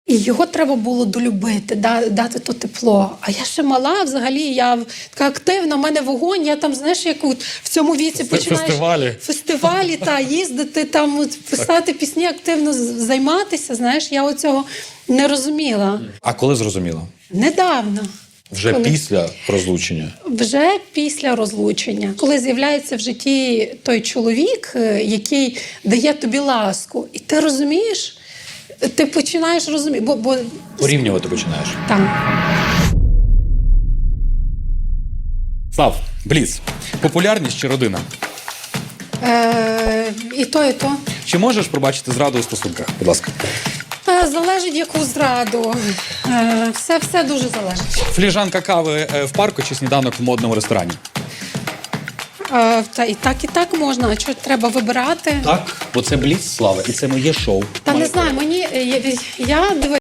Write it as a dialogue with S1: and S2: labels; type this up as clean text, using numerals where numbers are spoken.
S1: І його треба було долюбити, дати то тепло. А я ще мала взагалі, я така активна, в мене вогонь, я там, знаєш, як от в цьому віці починаєш фестивалі їздити, там от, писати пісні, активно займатися, знаєш, я оцього не розуміла.
S2: А коли зрозуміла?
S1: Недавно.
S2: Вже після розлучення?
S1: Вже після розлучення. Коли з'являється в житті той чоловік, який дає тобі ласку, і ти розумієш, ти починаєш розуміти, бо
S2: Порівнювати починаєш.
S1: там.
S2: Слав, Бліц. Популярність чи родина?
S1: І то, і то.
S2: Чи можеш пробачити зраду у стосунках? Будь ласка.
S1: Залежить, яку зраду. Все дуже залежить.
S2: Фліжанка кави в парку чи сніданок в модному ресторані?
S1: Та і так можна. А що треба вибирати?
S2: Так, бо це Бліц, Слава, і це моє шоу.
S1: Та не знаю, я